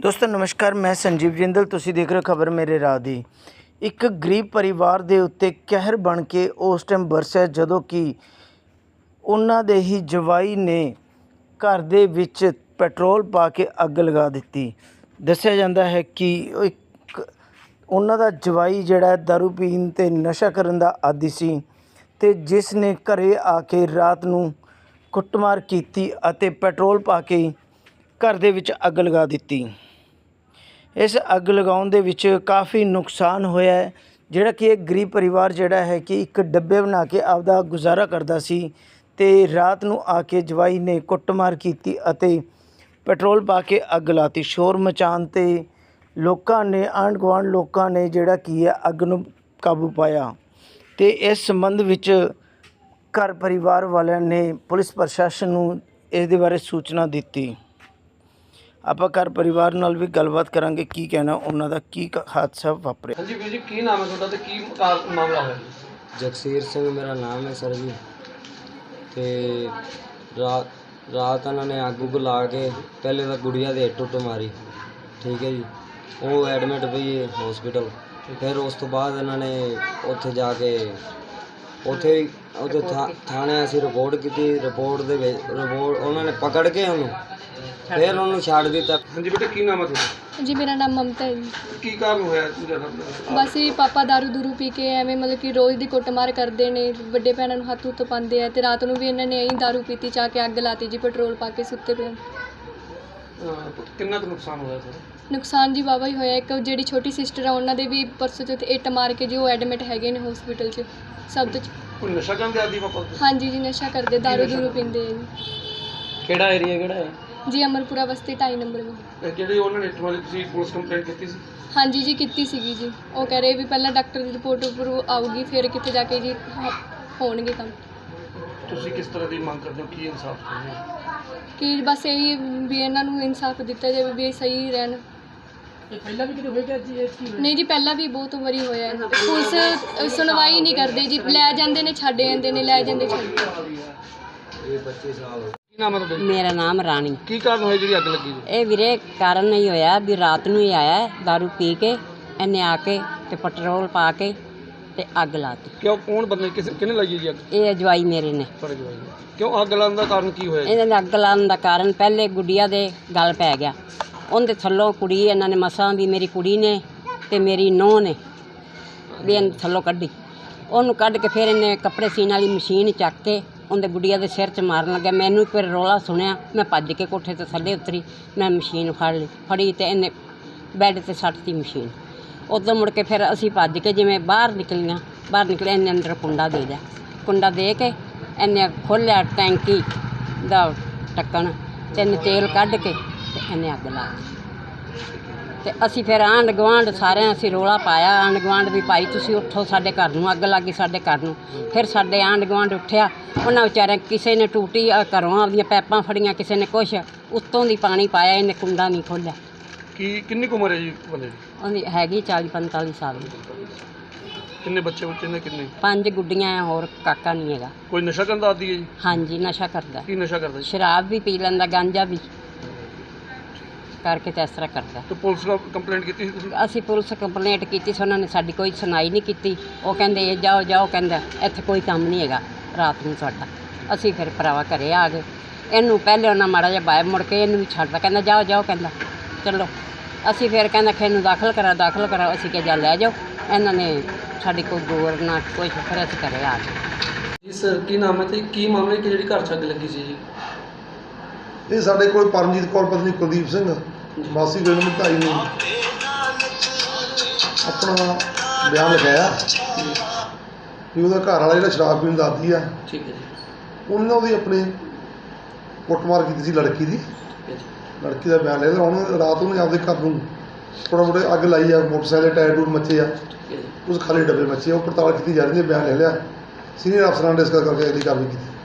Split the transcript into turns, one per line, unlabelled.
ਦੋਸਤੋ ਨਮਸਕਾਰ, मैं संजीव जिंदल। ਤੁਸੀਂ देख रहे हो खबर मेरे राह ਦੀ। ਇੱਕ ਗਰੀਬ ਪਰਿਵਾਰ ਦੇ ਉੱਤੇ ਕਹਿਰ ਬਣ ਕੇ ਉਸ ਟਾਈਮ ਵਰਸਿਆ ਜਦੋਂ ਕਿ ਉਹਨਾਂ ਦੇ ਹੀ ਜਵਾਈ ਨੇ ਘਰ ਦੇ ਵਿੱਚ ਪੈਟਰੋਲ ਪਾ ਕੇ ਅੱਗ ਲਗਾ ਦਿੱਤੀ। ਦੱਸਿਆ ਜਾਂਦਾ ਹੈ ਕਿ ਉਹਨਾਂ ਦਾ ਜਵਾਈ ਜਿਹੜਾ ਦਾਰੂ ਪੀਣ ਤੇ ਨਸ਼ਾ ਕਰਨ ਦਾ ਆਦੀ ਸੀ ਤੇ ਜਿਸ ਨੇ ਘਰੇ ਆ ਕੇ ਰਾਤ ਨੂੰ ਕੁੱਟਮਾਰ ਕੀਤੀ ਅਤੇ ਪੈਟਰੋਲ ਪਾ ਕੇ घर ਦੇ ਵਿੱਚ ਅੱਗ ਲਗਾ ਦਿੱਤੀ। ਇਸ ਅੱਗ ਲਗਾਉਣ ਦੇ ਵਿੱਚ ਕਾਫੀ ਨੁਕਸਾਨ ਹੋਇਆ ਹੈ, ਜਿਹੜਾ ਕਿ ਇੱਕ ਗਰੀਬ ਪਰਿਵਾਰ ਜਿਹੜਾ ਹੈ ਕਿ ਇੱਕ ਡੱਬੇ ਬਣਾ ਕੇ ਆਪਦਾ ਗੁਜ਼ਾਰਾ ਕਰਦਾ ਸੀ ਤੇ ਰਾਤ ਨੂੰ ਆ ਕੇ ਜਵਾਈ ਨੇ ਕੁੱਟਮਾਰ ਕੀਤੀ ਅਤੇ ਪੈਟਰੋਲ ਪਾ ਕੇ ਅੱਗ ਲਾਤੀ। ਸ਼ੋਰ ਮਚਾਉਣ ਤੇ ਲੋਕਾਂ ਨੇ, ਆਂਢ ਗੁਆਂਢ ਲੋਕਾਂ ਨੇ ਜਿਹੜਾ ਕੀ ਹੈ ਅੱਗ ਨੂੰ ਕਾਬੂ ਪਾਇਆ ਤੇ ਇਸ ਸੰਬੰਧ ਵਿੱਚ ਘਰ ਪਰਿਵਾਰ ਵਾਲਿਆਂ ਨੇ ਪੁਲਿਸ ਪ੍ਰਸ਼ਾਸਨ ਨੂੰ ਇਸ ਦੇ ਬਾਰੇ ਸੂਚਨਾ ਦਿੱਤੀ। ਆਪਾਂ ਘਰ ਪਰਿਵਾਰ ਨਾਲ ਵੀ ਗੱਲਬਾਤ ਕਰਾਂਗੇ, ਕੀ ਕਹਿਣਾ ਉਹਨਾਂ ਦਾ, ਕੀ ਹਾਦਸਾ ਵਾਪਰਿਆ।
ਹਾਂਜੀ ਵੀਰ ਜੀ, ਕੀ ਨਾਮ ਹੈ ਤੁਹਾਡਾ ਤੇ ਕੀ ਮਾਮਲਾ ਹੋਇਆ?
ਜਗਸੀਰ ਸਿੰਘ ਮੇਰਾ ਨਾਮ ਹੈ ਸਰ ਜੀ। ਤੇ ਰਾਤ ਉਹਨਾਂ ਨੇ ਅੱਗ ਲਾ ਕੇ ਪਹਿਲੇ ਤਾਂ ਗੁੜੀਆ ਦੇ ਟੁੱਟ ਮਾਰੀ, ਠੀਕ ਹੈ ਜੀ। ਉਹ ਐਡਮਿਟ ਪਈ ਹੈ ਹਸਪੀਟਲ। ਫਿਰ ਉਸ ਤੋਂ ਬਾਅਦ ਇਹਨਾਂ ਨੇ ਉੱਥੇ ਜਾ ਕੇ ਉੱਥੇ ਥਾਣੇ ਅਸੀਂ ਰਿਪੋਰਟ ਕੀਤੀ। ਰਿਪੋਰਟ ਉਹਨਾਂ ਨੇ ਪਕੜ ਕੇ ਉਹਨੂੰ ਫਿਰ ਉਹਨੂੰ ਛੱਡ ਦਿੱਤਾ।
ਹਾਂਜੀ ਬੇਟਾ, ਕੀ ਨਾਮ ਹੈ ਤੁਹਾਡਾ?
जी मेरा नाम ममता है जी।
ਕੀ ਕਾਰਨ ਹੋਇਆ?
बस ये पापा दारू दूरू पी के ਐਵੇਂ ਮਤਲਬ ਕਿ ਰੋਜ਼ ਦੀ ਕੁੱਟਮਾਰ ਕਰਦੇ ਨੇ, ਵੱਡੇ ਭੈਣਾਂ ਨੂੰ ਹੱਥ ਹੁੱਥ ਪਾਉਂਦੇ ਆ ਤੇ ਰਾਤ ਨੂੰ ਵੀ ਇਹਨਾਂ ਨੇ ਐਂ दारू ਪੀਤੀ, ਚਾਹ ਕੇ ਅੱਗ ਲਾਤੀ ਜੀ, ਪੈਟਰੋਲ ਪਾ ਕੇ ਸੁੱਤੇ ਪਏ।
ਕਿੰਨਾ ਕੁ ਨੁਕਸਾਨ ਹੋਇਆ ਸਰ?
ਨੁਕਸਾਨ ਜੀ ਵਾਹਵਾ ਹੀ ਹੋਇਆ। ਇੱਕ ਜਿਹੜੀ ਛੋਟੀ ਸਿਸਟਰ ਆ ਉਹਨਾਂ ਦੇ ਵੀ ਪਰਸੋਂ ਚੌਥੇ ਇੱਟ ਮਾਰ ਕੇ ਜੀ ਉਹ ਐਡਮਿਟ ਹੈਗੇ ਨੇ ਹਸਪੀਟਲ 'ਚ। ਸਭ ਤੋਂ
ਕੋਈ ਨਸ਼ਾ ਕਰਨ ਦੇ ਆਦੀ ਪਾਪਾ?
ਹਾਂਜੀ ਜੀ, ਨਸ਼ਾ ਕਰਦੇ, दारू ਦੂਰੂ ਪੀਂਦੇ ਆ ਜੀ।
ਕਿਹੜਾ ਏਰੀਆ ਕਿਹੜਾ ਹੈ
ਜੀ ਅਮਰਪੁਰਾ ਬਸਤੀ 2.5 ਨੰਬਰ ਵਿੱਚ।
ਜਿਹੜੇ ਉਹਨਾਂ ਨੇ ਇੱਟ ਵਾਲੀ ਤੁਸੀਂ ਪੁਲਿਸ ਕੰਪਲੇਂਟ ਕੀਤੀ ਸੀ?
ਹਾਂਜੀ ਜੀ ਕੀਤੀ ਸੀਗੀ ਜੀ। ਉਹ ਕਹਿ ਰਹੇ ਵੀ ਪਹਿਲਾਂ ਡਾਕਟਰ ਦੀ ਰਿਪੋਰਟ ਉੱਪਰ ਆਊਗੀ ਫਿਰ ਕਿਤੇ ਜਾ ਕੇ ਜੀ ਹੋਣਗੇ ਕੰਮ।
ਤੁਸੀਂ ਕਿਸ ਤਰ੍ਹਾਂ ਦੀ ਮੰਗ ਕਰਦੇ ਹੋ? ਕੀ ਇਨਸਾਫ ਚਾਹੁੰਦੇ ਹੋ?
ਕਿ ਬਸ ਇਹੀ ਵੀ ਇਹਨਾਂ ਨੂੰ ਇਨਸਾਫ ਦਿੱਤਾ ਜਾਵੇ ਵੀ ਇਹ ਸਹੀ ਰਹਿਣ।
ਪਹਿਲਾਂ ਵੀ ਕਿਤੇ ਹੋਏਗਾ ਜੀ?
ਨਹੀਂ ਜੀ, ਪਹਿਲਾਂ ਵੀ ਬਹੁਤ ਵਾਰੀ ਹੋਇਆ ਹੈ। ਪੁਲਿਸ ਸੁਣਵਾਈ ਨਹੀਂ ਕਰਦੇ ਜੀ, ਲੈ ਜਾਂਦੇ ਨੇ ਛੱਡ ਜਾਂਦੇ ਨੇ, ਲੈ ਜਾਂਦੇ ਛੱਡ।
ਇਹ 25 ਸਾਲ
ਕੀ ਨਾਮ ਹੈ ਤੁਹਾਡਾ?
ਮੇਰਾ ਨਾਮ ਰਾਣੀ।
ਕੀ ਕਾਰਨ ਹੋਇਆ ਜਿਹੜੀ ਅੱਗ ਲੱਗੀ ਜੀ?
ਇਹ ਵੀਰੇ ਕਾਰਨ ਨਹੀਂ ਹੋਇਆ ਵੀ ਰਾਤ ਨੂੰ ਹੀ ਆਇਆ दारू ਪੀ ਕੇ, ਇਹਨੇ ਆ ਕੇ ਤੇ ਪੈਟਰੋਲ ਪਾ ਕੇ ਤੇ ਅੱਗ ਲਾਤੀ।
ਕਿਉਂ, ਕੌਣ ਬੰਦੇ, ਕਿਹਨੇ ਲਾਈ ਜੀ ਅੱਗ?
ਇਹ ਅਜਵਾਈ ਮੇਰੇ ਨੇ।
ਤੁਹਾਡੇ ਜਵਾਈ ਨੇ? ਕਿਉਂ ਅੱਗ ਲਾਉਣ ਦਾ ਕਾਰਨ ਕੀ ਹੋਇਆ ਜੀ?
ਇਹਨਾਂ ਨੇ ਅੱਗ ਲਾਉਣ ਦਾ ਕਾਰਨ ਪਹਿਲੇ ਗੁੱਡੀਆ ਦੇ ਗਲ ਪੈ ਗਿਆ। ਉਹਦੇ ਥੱਲੋਂ ਕੁੜੀ ਇਹਨਾਂ ਨੇ ਮਸਾਂ ਵੀ ਮੇਰੀ ਕੁੜੀ ਨੇ ਤੇ ਮੇਰੀ ਨੂੰਹ ਨੇ ਵੀ ਇਹਨੂੰ ਥੱਲੋਂ ਕੱਢੀ। ਉਹਨੂੰ ਕੱਢ ਕੇ ਫਿਰ ਇਹਨੇ ਕੱਪੜੇ ਸੀਨ ਵਾਲੀ ਮਸ਼ੀਨ ਚੱਕ ਕੇ ਉਹਦੇ ਗੁੱਡੀਆ ਦੇ ਸਿਰ 'ਚ ਮਾਰਨ ਲੱਗਿਆ। ਮੈਨੂੰ ਫਿਰ ਰੌਲਾ ਸੁਣਿਆ, ਮੈਂ ਭੱਜ ਕੇ ਕੋਠੇ ਤੋਂ ਥੱਲੇ ਉਤਰੀ, ਮੈਂ ਮਸ਼ੀਨ ਫੜੀ ਤੇ ਇਹਨੇ ਬੈੱਡ 'ਤੇ ਸੱਟਤੀ ਮਸ਼ੀਨ। ਉਦੋਂ ਮੁੜ ਕੇ ਫਿਰ ਅਸੀਂ ਭੱਜ ਕੇ ਜਿਵੇਂ ਬਾਹਰ ਨਿਕਲੇ, ਇਹਨੇ ਅੰਦਰ ਕੁੰਡਾ ਦੇ ਦਿਆ। ਕੁੰਡਾ ਦੇ ਕੇ ਇਹਨੇ ਖੋਲ੍ਹਿਆ ਟੈਂਕੀ ਦਾ ਢੱਕਣ ਤੇ ਇਹਨੇ ਤੇਲ ਕੱਢ ਕੇ ਤੇ ਇਹਨੇ ਅੱਗ ਲਾ ਦਿੱਤੀ। ਤੇ ਅਸੀਂ ਫਿਰ ਆਂਢ ਗੁਆਂਢ ਸਾਰਿਆਂ ਅਸੀਂ ਰੌਲਾ ਪਾਇਆ। ਆਂਢ ਗੁਆਂਢ ਵੀ ਭਾਈ ਤੁਸੀਂ ਉੱਠੋ, ਸਾਡੇ ਘਰ ਨੂੰ ਅੱਗ ਲੱਗੀ, ਸਾਡੇ ਘਰ ਨੂੰ। ਫਿਰ ਸਾਡੇ ਆਂਢ ਗੁਆਂਢ ਉੱਠਿਆ। ਉਹਨਾਂ ਵਿਚਾਰਿਆਂ ਕਿਸੇ ਨੇ ਟੂਟੀ ਘਰੋਂ ਆਪਦੀਆਂ ਪੈਪਾਂ ਫੜੀਆਂ, ਕਿਸੇ ਨੇ ਕੁਛ, ਉੱਤੋਂ ਦੀ ਪਾਣੀ ਪਾਇਆ, ਇਹਨੇ ਕੁੰਡਾ ਨਹੀਂ ਖੋਲ੍ਹਿਆ।
ਕਿੰਨੀ ਕੁ ਉਮਰ ਹੈ ਜੀ ਬੰਦੇ ਦੀ?
ਉਹਦੀ ਹੈਗੀ 40-45 ਸਾਲ ਦੀ।
ਕਿੰਨੇ ਬੱਚੇ ਨੇ? ਕਿੰਨੇ?
5 ਗੁੱਡੀਆਂ ਆ, ਹੋਰ ਕਾਕਾ ਨਹੀਂ ਹੈਗਾ।
ਕੋਈ ਨਸ਼ਾ ਕਰਨ ਦਾ ਆਦੀ ਹੈ ਜੀ?
ਹਾਂਜੀ, ਨਸ਼ਾ ਕਰਦਾ।
ਕੀ ਨਸ਼ਾ ਕਰਦਾ ਜੀ?
ਸ਼ਰਾਬ ਵੀ ਪੀ ਲੈਂਦਾ, ਗਾਂਜਾ ਵੀ ਕਰਕੇ ਤੇ ਇਸ ਤਰ੍ਹਾਂ ਕਰਦਾ।
ਤੇ ਪੁਲਿਸ ਨੂੰ ਕੰਪਲੇਂਟ ਕੀਤੀ ਸੀ ਤੁਸੀਂ?
ਅਸੀਂ ਪੁਲਿਸ ਕੰਪਲੇਂਟ ਕੀਤੀ ਸੀ, ਉਹਨਾਂ ਨੇ ਸਾਡੀ ਕੋਈ ਸੁਣਾਈ ਨਹੀਂ ਕੀਤੀ। ਉਹ ਕਹਿੰਦੇ ਜਾਓ, ਕਹਿੰਦਾ ਇੱਥੇ ਕੋਈ ਕੰਮ ਨਹੀਂ ਹੈਗਾ ਰਾਤ ਨੂੰ ਤੁਹਾਡਾ। ਅਸੀਂ ਫਿਰ ਭਰਾਵਾ ਘਰੇ ਆ ਗਏ। ਇਹਨੂੰ ਪਹਿਲੇ ਉਹਨਾਂ ਮਾੜਾ ਜਿਹਾ ਬਾਹਰ ਮੁੜ ਕੇ ਇਹਨੂੰ ਵੀ ਛੱਡਦਾ, ਕਹਿੰਦਾ ਜਾਓ, ਕਹਿੰਦਾ ਚਲੋ। ਅਸੀਂ ਫਿਰ ਕਹਿੰਦਾ ਕਿ ਇਹਨੂੰ ਦਾਖਲ ਕਰਾ। ਅਸੀਂ ਕਿਹਾ ਜਾ ਲੈ ਜਾਓ। ਇਹਨਾਂ ਨੇ ਸਾਡੀ ਕੋਈ ਗੌਰ ਨਾ ਕੁਛ, ਫਿਰ ਅਸੀਂ ਘਰੇ ਆ ਗਏ।
ਜੀ ਸਰ, ਕੀ ਨਾਮ ਹੈ ਤੇ ਕੀ ਮਾਮਲਾ ਕਿ ਜਿਹੜੀ ਘਰ 'ਚ ਅੱਗ ਲੱਗੀ ਸੀ ਜੀ?
ਇਹ ਸਾਡੇ ਕੋਲ ਪਰਮਜੀਤ ਕੌਰ ਪਤਨੀ ਕੁਲਦੀਪ ਸਿੰਘ ਵਾਸੀ ਪਿੰਡ ਮਧਾਈ ਨੇ ਆਪਣਾ ਬਿਆਨ ਲਿਖਾਇਆ ਵੀ ਉਹਦਾ ਘਰ ਵਾਲਾ ਜਿਹੜਾ ਸ਼ਰਾਬ ਪੀਣ ਦਾ ਆਦੀ ਆ,
ਠੀਕ ਹੈ ਜੀ।
ਉਹਨਾਂ ਉਹਦੀ ਆਪਣੀ ਕੁੱਟਮਾਰ ਕੀਤੀ ਸੀ ਲੜਕੀ ਦੀ। ਲੜਕੀ ਦਾ ਬਿਆਨ ਲਿਆ। ਹੁਣ ਰਾਤ ਨੂੰ ਆਪਦੇ ਘਰ ਨੂੰ ਥੋੜ੍ਹਾ ਮੋਟੇ ਅੱਗ ਲਾਈ ਆ, ਮੋਟਰਸਾਈਕਲ ਟਾਇਰ ਟੂਰ ਮੱਚੇ ਆ, ਉਸ ਖਾਲੀ ਡੱਬੇ ਮੱਚੇ, ਉਹ ਪੜਤਾਲ ਕੀਤੀ ਜਾ ਰਹੀ ਹੈ। ਬਿਆਨ ਲੈ ਲਿਆ, ਸੀਨੀਅਰ ਅਫਸਰਾਂ ਨੇ ਡਿਸਕਸ ਕਰਕੇ ਅਗਲੀ ਕਾਰਵਾਈ ਕੀਤੀ।